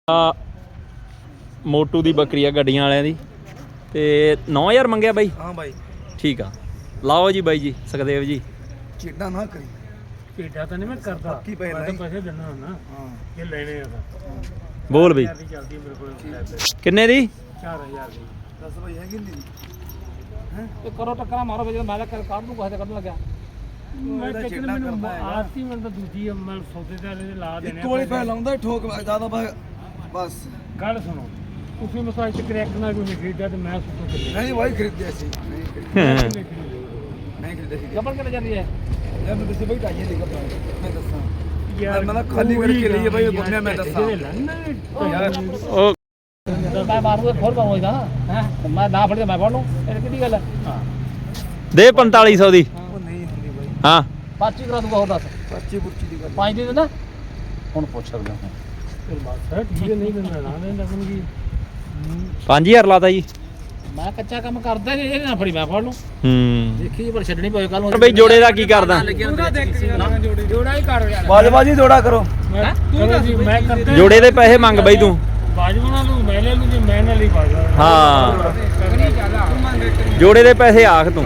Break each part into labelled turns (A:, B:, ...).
A: ਮੋਟੂ ਦੀ ਬੱਕਰੀ ਆ ਗੱਡੀਆਂ ਵਾਲਿਆਂ ਦੀ ਤੇ 9000 ਮੰਗਿਆ ਬਾਈ।
B: ਹਾਂ ਬਾਈ
A: ਠੀਕ ਆ, ਲਾਓ ਜੀ ਬਾਈ ਜੀ ਸੁਖਦੇਵ ਜੀ।
B: ਚੇਡਾ ਨਾ ਕਰੀ,
C: ਚੇਡਾ ਤਾਂ ਨਹੀਂ ਮੈਂ ਕਰਦਾ,
B: ਪੱਕੀ ਪੈਸੇ
C: ਮੈਂ ਤਾਂ ਪੈਸੇ ਦਿੰਦਾ ਹੁੰਦਾ।
B: ਹਾਂ
C: ਇਹ ਲੈਣੇ ਆ
A: ਬੋਲ ਬਈ
C: ਚੱਲਦੀ ਮੇਰੇ ਕੋਲ
A: ਕਿੰਨੇ ਦੀ?
C: 4000 ਦੀ।
B: ਦੱਸ ਬਾਈ ਹੈਗੀ ਨਹੀਂ ਹੈ
C: ਤੇ ਕਰੋ ਟੱਕਰਾਂ ਮਾਰੋ ਬਈ, ਮੈਂ ਤਾਂ ਕੱਢ ਦੂੰ ਕਿਸੇ ਕੱਢਣ ਲੱਗਿਆ। ਮੈਂ ਕਿਤੇ ਮੈਨੂੰ ਆਰਤੀ ਮੈਂ ਤਾਂ ਦੂਜੀ ਮੈਂ ਸੌਦੇ ਤੇ ਵਾਲੇ ਲਾ ਦੇਣੇ
B: ਇੱਕ ਵਾਲੀ ਪੈ ਲਾਉਂਦਾ ਠੋਕ ਜ਼ਿਆਦਾ ਬਸ।
C: ਗੱਲ ਸੁਣੋ, ਤੁਸੀਂ ਮਸਾਂ ਇੱਕ ਕਰੈਕਟ ਨਾਲ ਕੋਈ ਨਹੀਂ ਖਰੀਦਿਆ ਤੇ ਮੈਂ ਸੁੱਤੋਂ ਚੱਲਿਆ
B: ਨਹੀਂ ਬਾਈ ਖਰੀਦਿਆ ਸੀ, ਨਹੀਂ ਖਰੀਦਿਆ ਸੀ।
C: ਕਬਰ ਕਿੱਥੇ ਜਾਂਦੀ ਹੈ
B: ਯਾਰ ਮੈਂ ਦੱਸੇ ਬਾਈ ਢਾਈਏ ਦੀ ਕਪੜਾ ਮੈਂ ਦੱਸਾਂ ਯਾਰ ਮੈਂ ਖਾਲੀ ਕਰਕੇ ਲਈ ਬਾਈ ਬੰਨਿਆ ਮੈਂ ਦੱਸਾਂ ਯਾਰ
A: ਉਹ
C: ਮੈਂ ਮਾਰੂਗਾ ਖੋਲ ਪਾਉਂਗਾ ਹੈ ਮੈਂ ਨਾ ਫੜ ਕੇ ਮੈਂ ਫੜ ਲੂੰ, ਇਹ ਕਿਹੜੀ ਗੱਲ ਹੈ?
A: ਦੇ 4500 ਦੀ।
B: ਉਹ ਨਹੀਂ ਹੁੰਦੀ ਬਾਈ,
A: ਹਾਂ
C: ਪਾਚੀ ਕਰਾ ਦੂੰਗਾ, ਹੋਰ ਦੱਸ
B: ਪਰਚੀ ਪੁਰਚੀ ਦੀ ਗੱਲ
C: 5 ਦੇ ਦੇਣਾ ਹੁਣ ਪੁੱਛ ਸਕਦਾ ਹਾਂ। ਫਿਰ ਬਸ ਠੀਕ ਹੈ, ਨਹੀਂ ਦਿੰਦਾ ਨਾ ਦੇਣਾ ਲੱਗਣਗੀ।
A: 5000 ਲਾਤਾ ਜੀ।
C: ਮੈਂ ਕੱਚਾ ਕੰਮ ਕਰਦਾ ਕਿ ਇਹ ਨਾ ਫੜੀ ਮੈਂ ਫੜ ਲੂੰ। ਦੇਖੀ ਪਰ ਛੱਡਣੀ ਪਵੇ ਕੱਲ ਨੂੰ
A: ਬਈ ਜੋੜੇ ਦਾ ਕੀ ਕਰਦਾ?
C: ਜੋੜਾ ਹੀ ਕਰ ਯਾਰ,
B: ਬਾਜੀ ਜੋੜਾ ਕਰੋ।
C: ਤੂੰ ਜੀ ਮੈਂ ਕਰਦਾ
A: ਜੋੜੇ ਦੇ ਪੈਸੇ ਮੰਗ ਬਈ ਤੂੰ।
C: ਬਾਜਵਾਨਾ ਨੂੰ ਮੈਂ ਲੈ ਲੂ ਜੀ, ਮੈਂ ਨਾਲ ਹੀ ਬਾਜਵਾ।
A: ਹਾਂ ਜੋੜੇ ਦੇ ਪੈਸੇ ਆਖ ਤੂੰ।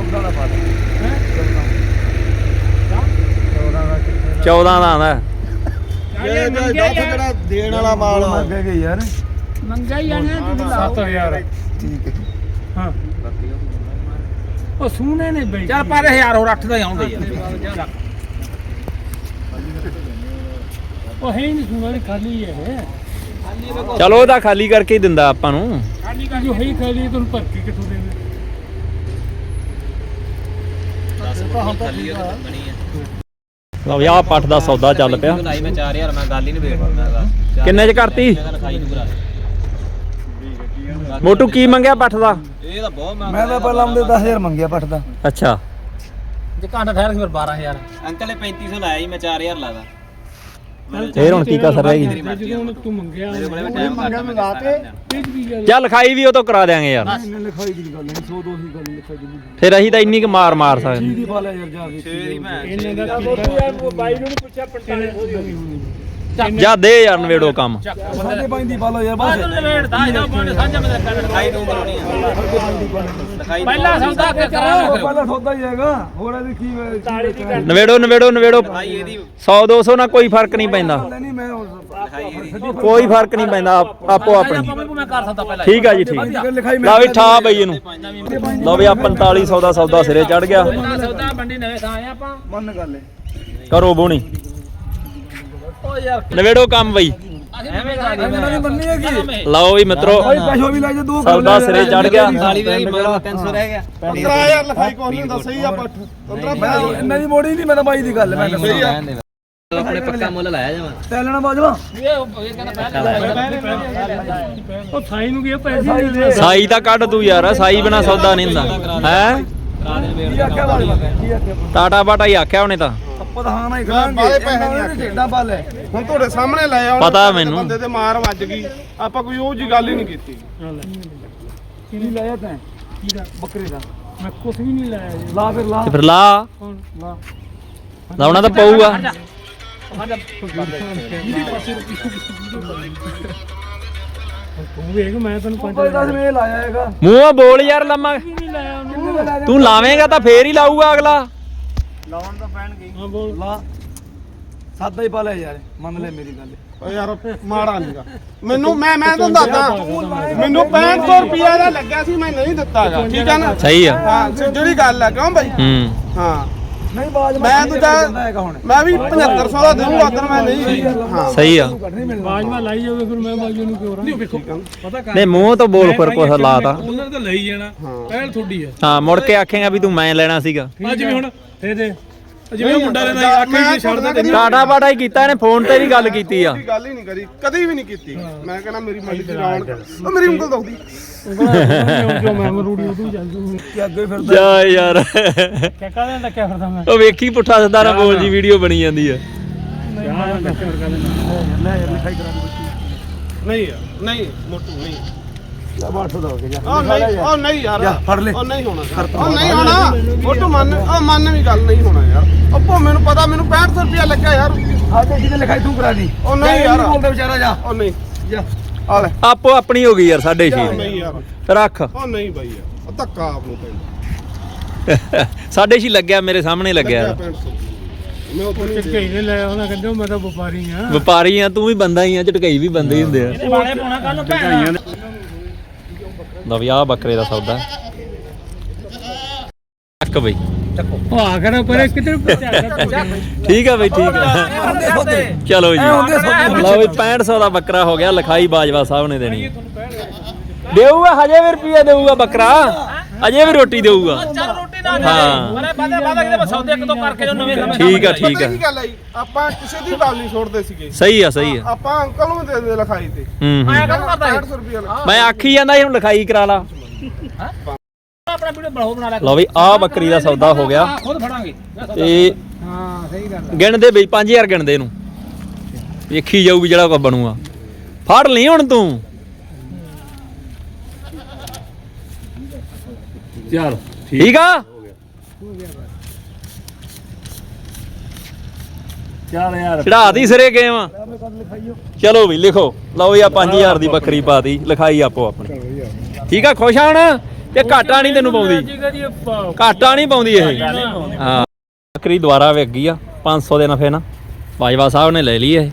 A: 14 ਦਾ ਆਂਦਾ।
B: ਜਿਹੜਾ ਦੇਣ ਵਾਲਾ ਮਾਲ ਮੰਗ ਗਏ ਯਾਰ,
C: ਮੰਗਾ ਹੀ ਆਣੇ ਤੁਸੀਂ ਲਾਓ 7000।
B: ਠੀਕ ਹੈ
C: ਹਾਂ ਉਹ ਸੂਨੇ ਨੇ ਬਈ ਚੱਲ ਪਰ 1000 ਹੋਰ 8 ਦਾ ਆਉਂਦੇ ਯਾਰ। ਉਹ ਹੈ ਨਹੀਂ ਸੂਨਾ, ਨਹੀਂ ਖਾਲੀ ਹੈ।
A: ਚਲੋ ਉਹਦਾ ਖਾਲੀ ਕਰਕੇ ਹੀ ਦਿੰਦਾ ਆਪਾਂ ਨੂੰ।
C: ਖਾਲੀ ਕਰ ਜੋ ਹੈ ਖਾਲੀ, ਤੁਹਾਨੂੰ ਭਰਤੀ ਕਿੱਥੋਂ ਦੇਵੇ?
A: ਲਓ ਯਾ ਪੱਠ ਦਾ ਸੌਦਾ ਚੱਲ ਪਿਆ।
D: ਲਾਈ ਮੈਂ 4000 ਮੈਂ ਗੱਲ ਹੀ ਨਹੀਂ ਵੇਖਦਾ।
A: ਕਿੰਨੇ ਚ ਕਰਤੀ?
D: ਲਿਖਾਈ ਨੂੰ ਕਰਾ
A: ਮੋਟੂ ਕੀ ਮੰਗਿਆ ਪੱਠ ਦਾ?
D: ਇਹ ਤਾਂ ਬਹੁਤ ਮਹਿੰਗਾ।
B: ਮੈਂ ਤਾਂ ਪਹਿਲਾਂ ਉਹਦੇ 10000 ਮੰਗਿਆ ਪੱਟ ਦਾ।
A: ਅੱਛਾ
C: ਜੇ ਘੰਟਾ ਠਹਿਰ ਕੇ ਫਿਰ 12000।
D: ਅੰਕਲ ਨੇ 3500 ਲਾਇਆ ਜੀ, ਮੈਂ 4000 ਲਾਦਾ।
A: ਫੇਰ ਹੁਣ ਕੀ ਕਸਰ ਰਹਿ ਗਈ?
C: ਜਦੋਂ ਤੂੰ ਮੰਗਿਆ
D: ਮੇਰੇ ਕੋਲ ਟਾਈਮ ਘੱਟ।
A: ਚੱਲ ਲਿਖਾਈ ਵੀ ਉਹ ਤੋਂ ਕਰਾ ਦਿਆਂਗੇ ਯਾਰ।
B: ਇਹਨੇ ਲਿਖਾਈ ਦੀ ਗੱਲ ਨਹੀਂ, 100 200 ਗੱਲ ਲਿਖਾਈ ਦੀ ਨਹੀਂ।
A: ਫਿਰ ਅਸੀਂ ਤਾਂ ਇੰਨੀ ਕੁ ਮਾਰ ਸਕਦੇ।
B: ਦੀ ਪਾ ਲੈ ਯਾਰ ਜਾ ਕੇ
C: ਇਹਨੇ ਦਾ ਬਾਈ ਨੂੰ ਨਹੀਂ ਪੁੱਛਿਆ 45
A: ਜਾ ਦੇ ਯਾਰ ਨਵੇੜੋ ਕੰਮ।
B: ਸਾਡੇ ਪੰਜ ਦੀ ਪਾ ਲਓ ਯਾਰ ਬਸ।
D: ਲਿਖਾਈ ਨੂੰ ਕਰਾਉਣੀ ਆ।
C: ਪਹਿਲਾ ਸੌਦਾ ਕਰਾ
B: ਪਹਿਲਾਂ ਸੌਦਾ ਹੀ ਹੈਗਾ, ਹੋਰ ਇਹਦੀ ਕੀ
A: ਨਵੇੜੋ
D: ਭਾਈ ਇਹਦੀ
A: 100 200 ਨਾਲ ਕੋਈ ਫਰਕ ਨਹੀਂ ਪੈਂਦਾ।
B: ਨਹੀਂ ਮੈਂ
A: ਕੋਈ ਫਰਕ ਨਹੀਂ ਪੈਂਦਾ ਆਪੋ ਆਪਣੀ।
C: ਮੈਂ ਕਰ ਸਕਦਾ ਪਹਿਲਾਂ।
A: ਠੀਕ ਆ ਜੀ ਠੀਕ।
B: ਲਿਖਾਈ
A: ਲਾ ਵੀ ਠਾ ਬਈ ਇਹਨੂੰ। ਲਓ ਵੀ ਆ 4500 ਦਾ ਸੌਦਾ ਸਿਰੇ ਚੜ ਗਿਆ।
C: ਸੌਦਾ ਮੰਡੀ ਨਵੇਂ ਥਾਂ ਆਏ ਆਪਾਂ।
B: ਮੰਨ ਗੱਲ ਹੈ।
A: ਕਰੋ ਬੋਣੀ
C: ਓ ਯਾਰ
A: ਨਵੇੜੋ ਕੰਮ ਬਈ।
C: ਐਵੇਂ ਕਰ
B: ਇਹਨਾਂ ਦੀ ਮੰਨੀ ਹੈਗੀ।
A: ਲਓ ਵੀ ਮਿੱਤਰੋ
B: ਭਾਈ ਪੈਸੋ ਵੀ ਲੈ ਜਾ, ਦੋ
A: ਸੌਦਾ ਸਿਰੇ ਚੜ ਗਿਆ।
D: ਸਾਲੀ ਵੀ ਮਗਰ 300 ਰਹਿ ਗਿਆ।
B: 15000 ਲਿਖਾਈ ਕੋਈ ਨਹੀਂ ਹੁੰਦਾ, ਸਹੀ ਆ ਪੱਠ 15 ਇਹਨਾਂ ਦੀ ਮੋੜੀ ਨਹੀਂ, ਮੈਂ ਤਾਂ ਬਾਈ ਦੀ ਗੱਲ ਮੈਂ ਸਹੀ ਆ।
D: ਆਪਣੇ ਪੱਕਾ ਮੁੱਲ ਲਾਇਆ ਜਾਵਾਂ।
B: ਤੈ ਲੈਣਾ ਬਾਜਵਾ
C: ਇਹ ਕਹਿੰਦਾ ਉਹ ਥਾਈ ਨੂੰ ਗਿਆ ਪੈਸੇ
A: ਸਾਈ ਤਾਂ ਕੱਢ ਤੂੰ ਯਾਰ, ਸਾਈ ਬਿਨਾ ਸੌਦਾ ਨਹੀਂ ਹੁੰਦਾ ਹੈ।
B: ਕੀ ਆਖਿਆ ਬਾਜਵਾ, ਕੀ ਆਖਿਆ
A: ਟਾਟਾ ਬਾਟਾ ਹੀ ਆਖਿਆ ਉਹਨੇ ਤਾਂ।
B: ਪ੍ਰਧਾਨ ਹੀ ਕਰਾਂਗੇ ਇਹਨਾਂ ਨੇ ਢੇਡਾ ਪਾ ਲੈ।
E: ਹੁਣ ਤੁਹਾਡੇ ਸਾਹਮਣੇ ਲਾਇਆ ਉਹਨੇ,
A: ਪਤਾ ਮੈਨੂੰ।
E: ਬੰਦੇ ਤੇ ਮਾਰ ਵੱਜ ਗਈ, ਆਪਾਂ ਕੋਈ ਉਹ ਜੀ ਗੱਲ ਹੀ ਨਹੀਂ ਕੀਤੀ।
B: ਕੀ ਲਾਇਆ ਤੈਂ? ਕੀ ਦਾ? ਬੱਕਰੇ ਦਾ।
C: ਮੈਂ ਕੁਝ ਵੀ ਨਹੀਂ ਲਾਇਆ ਜੀ।
B: ਲਾ ਫਿਰ ਲਾ
A: ਤੇ ਫਿਰ ਲਾ
C: ਕੌਣ ਲਾ
A: ਲਾਉਣਾ ਤਾਂ ਪਊਗਾ।
C: ਤੂੰ ਵੇਖ ਮੈਂ ਤੈਨੂੰ
B: ਕੋਈ
C: 5
B: ਦੱਸ ਮੈਂ ਲਾਇਆ ਹੈਗਾ।
A: ਮੂੰਹੋਂ ਬੋਲ ਯਾਰ ਲੰਮਾ।
C: ਨਹੀਂ ਲਾਇਆ ਉਹਨੂੰ।
B: ਕਿੰਨੇ ਦਾ ਲੈ
A: ਤੂੰ ਲਾਵੇਂਗਾ ਤਾਂ ਫੇਰ ਹੀ ਲਾਊਗਾ ਅਗਲਾ।
C: ਹਾਂ ਬੋਲ।
B: ਲਾ ਸਾਦਾ ਹੀ ਪਾ ਲੈ ਯਾਰ, ਮੰਨ ਲੈ ਮੇਰੀ ਗੱਲ।
E: ਓ ਯਾਰ ਮਾੜਾ ਨਹੀਂਗਾ ਮੈਨੂੰ, ਮੈਂ ਤੁਹਾਨੂੰ ਦੱਸਦਾ, ਮੈਨੂੰ 6500 ਰੁਪਿਆ ਦਾ ਲੱਗਿਆ ਸੀ, ਮੈਂ ਨਹੀਂ ਦਿੱਤਾਗਾ। ਠੀਕ ਆ ਨਾ?
A: ਸਹੀ ਆ।
E: ਹਾਂ ਜਿਹੜੀ ਗੱਲ ਆ, ਕਿਉਂ ਬਾਈ? ਹਾਂ
B: ਨਹੀਂ ਬਾਜ
E: ਮੈਂ ਦੂਜਾ ਮੈਂ ਵੀ 7500 ਦਾ ਦੇਵਾਂਗਾ, ਉਧਰ ਮੈਂ ਨਹੀਂ। ਹਾਂ
A: ਸਹੀ ਆ।
C: ਬਾਜਵਾ ਲਾਈ ਜਾਵੇ ਫਿਰ ਮੈਂ ਬਾਜੂ ਨੂੰ ਕਿਉਂ ਰਾਂ ਵੇਖੋ ਪਤਾ ਕਰ
A: ਨਹੀਂ ਮੂੰਹ ਤੋਂ ਬੋਲ ਫਿਰ ਕੁਛ ਲਾਤਾ।
C: ਉਹਨਾਂ ਨੇ ਤਾਂ ਲਈ ਜਾਣਾ, ਪਹਿਲ ਥੋੜੀ ਆ।
A: ਹਾਂ ਮੁੜ ਕੇ ਆਖੇਗਾ ਵੀ ਤੂੰ ਮੈਂ ਲੈਣਾ ਸੀਗਾ।
C: ਅੱਜ ਵੀ ਹੁਣ ਦੇ ਜਿਵੇਂ ਮੁੰਡਾ ਲੈਣਾ ਆਖੇ ਵੀ ਛੱਡ ਦੇ।
A: ਟਾਟਾ ਬਾਟਾ ਹੀ ਕੀਤਾ ਇਹਨੇ, ਫੋਨ ਤੇ ਵੀ ਗੱਲ ਕੀਤੀ ਆ।
E: ਕੋਈ ਗੱਲ ਹੀ ਨਹੀਂ ਕਰੀ, ਕਦੀ ਵੀ ਨਹੀਂ ਕੀਤੀ। ਮੈਂ ਕਹਿੰਦਾ ਮੇਰੀ ਮੰਡੀ ਚ ਰੌਣਕ, ਉਹ ਮੇਰੀ ਉਂਗਲ ਦੁਖਦੀ।
C: ਜੋ ਮੈਂ ਮਰੂੜੀ ਉਦੋਂ ਜਾਂਦੂ
B: ਕਿ ਅੱਗੇ ਫਿਰਦਾ
A: ਜਾ ਯਾਰ
C: ਕਿਆ ਕਾਹਦੇ ਡੱਕਿਆ ਫਿਰਦਾ ਮੈਂ?
A: ਉਹ ਵੇਖੀ ਪੁੱਠਾ ਸਿੱਧਾ ਨਾ ਬੋਲ ਜੀ, ਵੀਡੀਓ ਬਣੀ ਜਾਂਦੀ ਆ।
B: ਲੈ ਯਾਰ ਲਿਖਾਈ ਕਰਾ ਦੇ ਬੱਚੀ।
E: ਨਹੀਂ ਯਾਰ, ਨਹੀਂ ਮੋਟੂ ਨਹੀਂ।
B: ਲੈ 800 ਦਾ ਹੋ ਗਿਆ।
E: ਉਹ ਨਹੀਂ, ਉਹ ਨਹੀਂ ਯਾਰ,
B: ਜਾ ਫੜ ਲੈ।
E: ਉਹ ਨਹੀਂ ਹੋਣਾ ਯਾਰ, ਉਹ ਨਹੀਂ ਹੋਣਾ। ਫੋਟੋ ਮੰਨ ਵੀ ਗੱਲ ਨਹੀਂ ਹੋਣਾ ਯਾਰ। ਉਹ ਮੈਨੂੰ ਪਤਾ, ਮੈਨੂੰ 6500 ਰੁਪਿਆ ਲੱਗਾ ਯਾਰ।
B: ਆ ਤੇ ਜਿਹਨੇ ਲਿਖਾਈ ਤੂੰ ਕਰਾ ਦੀ।
E: ਉਹ ਨਹੀਂ ਯਾਰ,
B: ਬੋਲਦਾ ਵਿਚਾਰਾ ਜਾ
E: ਉਹ ਨਹੀਂ
B: ਜਾ।
E: ਆ ਲੈ
A: ਆਪੋ ਆਪਣੀ ਹੋ ਗਈ ਯਾਰ 6.5
E: ਨਹੀਂ ਯਾਰ
A: ਰੱਖ
E: ਉਹ ਨਹੀਂ ਬਾਈ ਯਾਰ ਉਹ ਧੱਕਾ ਆਪ ਨੂੰ ਪੈਂਦਾ
A: 6.5 ਲੱਗਿਆ ਮੇਰੇ ਸਾਹਮਣੇ ਲੱਗਿਆ
E: 6500 ਮੈਂ ਉਤੋਂ ਨਹੀਂ
C: ਝਟਕਈ ਨੇ ਲੈ ਉਹਨਾਂ ਕਹਿੰਦੇ ਮੈਂ ਤਾਂ ਵਪਾਰੀ ਆ
A: ਵਪਾਰੀ ਆ ਤੂੰ ਵੀ ਬੰਦਾ ਹੀ ਆ ਝਟਕਈ ਵੀ ਬੰਦੇ ਹੀ ਹੁੰਦੇ ਆ
C: ਵਾਲੇ ਪਾਉਣਾ ਕੱਲ ਨੂੰ ਭੈਣ
A: ਲਓ ਵੀ ਆਹ ਬੱਕਰੇ ਦਾ ਸੌਦਾ ਚੱਕ ਬਈ
C: ਉਹ ਆਖਰ ਪਰੇ ਕਿੱਧਰ ਪਹੁੰਚਾ
A: ਠੀਕ ਆ ਬਈ ਠੀਕ ਆ ਚਲੋ ਜੀ ਲਓ ਵੀ 6500 ਦਾ ਬੱਕਰਾ ਹੋ ਗਿਆ ਲਿਖਾਈ ਬਾਜਵਾ ਸਾਹਿਬ ਨੇ ਦੇਣੀ ਦੇਊਗਾ ਹਜੇ ਵੀ ਰੁਪਈਆ ਦੇਊਗਾ ਬੱਕਰਾ ਅਜੇ ਵੀ ਰੋਟੀ ਦੇਊਗਾ
D: ਚੱਲ ਰੋਟੀ ਨਾ
A: ਹਾਂ
D: ਮਨੇ ਬਾਦਾ ਕਿਤੇ ਸੌਦੇ ਇੱਕ ਦੋ ਕਰਕੇ ਜੋ ਨਵੇਂ ਨਵੇਂ
A: ਠੀਕ ਆ ਠੀਕ
E: ਪਤਾ
A: ਆ
E: ਕੀ ਗੱਲ ਆਈ ਆਪਾਂ ਕਿਸੇ ਦੀ ਗੱਲ ਨਹੀਂ ਛੋੜਦੇ ਸੀਗੇ
A: ਸਹੀ ਆ ਸਹੀ ਆ
E: ਆਪਾਂ ਅੰਕਲ ਨੂੰ ਦੇ ਦੇ ਲਿਖਾਈ ਤੇ
A: ਹੂੰ
D: ਐ ਕੰਮ ਕਰਦਾ
E: 6500 ਰੁਪਏ
A: ਮੈਂ ਆਖੀ ਜਾਂਦਾ ਸੀ ਹੁਣ ਲਿਖਾਈ ਕਰਾ ਲਾ
D: ਆਪਣਾ ਵੀਡੀਓ ਬਣਾ ਲੈ
A: ਲਓ ਵੀ ਆਹ ਬੱਕਰੀ ਦਾ ਸੌਦਾ ਹੋ ਗਿਆ
D: ਖੁਦ ਫੜਾਂਗੇ
A: ਤੇ
C: ਹਾਂ ਸਹੀ ਗੱਲ
A: ਗਿਣਦੇ ਬਈ 5000 ਗਿਣਦੇ ਇਹਨੂੰ ਵੇਖੀ ਜਾਊਗੀ ਜਿਹੜਾ ਕੋ ਬਣੂਗਾ ਫੜ ਲਈ ਹੁਣ ਤੂੰ
C: ਚਲ
A: ਠੀਕ ਆ
C: ਚੱਲ ਯਾਰ
A: ਚੜਾਤੀ ਸਿਰੇ ਗਏ ਵਾ ਚਲੋ ਵੀ ਲਿਖੋ ਲਓ ਵੀ ਆ 5000 ਦੀ ਬੱਕਰੀ ਪਾਤੀ ਲਿਖਾਈ ਆਪੋ ਆਪਣੀ ਠੀਕ ਆ ਖੁਸ਼ ਆ ਹੁਣ ਤੇ ਘਾਟਾ ਨਹੀਂ ਤੈਨੂੰ ਪਾਉਂਦੀ ਘਾਟਾ ਨਹੀਂ ਪਾਉਂਦੀ ਇਹ ਹਾਂ ਬੱਕਰੀ ਦੁਬਾਰਾ ਵਿਕ ਗਈ ਆ 500 ਦੇ ਨਫੇ ਨਾਲ ਬਾਜਵਾ ਸਾਹਿਬ ਨੇ ਲੈ ਲਈ ਇਹ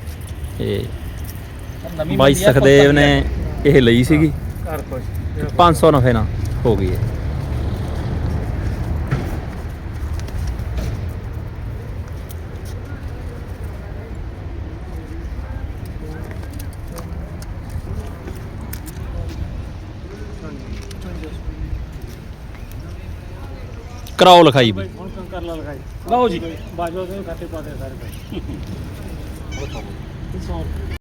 A: ਤੇ ਬਾਈ ਸਖਦੇਵ ਨੇ ਇਹ ਲਈ ਸੀਗੀ 500 ਨਫੇ ਨਾਲ ਹੋ ਗਈ ਹੈ ਕਰਾਓ ਲਿਖਾਈ ਵੀ
C: ਹੁਣ ਕਰ ਲਾ ਲਗਾਈ ਲਓ ਜੀ ਬਾਜਵਾ ਦੇ ਖਾਤੇ ਪਾ ਦੇ ਸਾਰੇ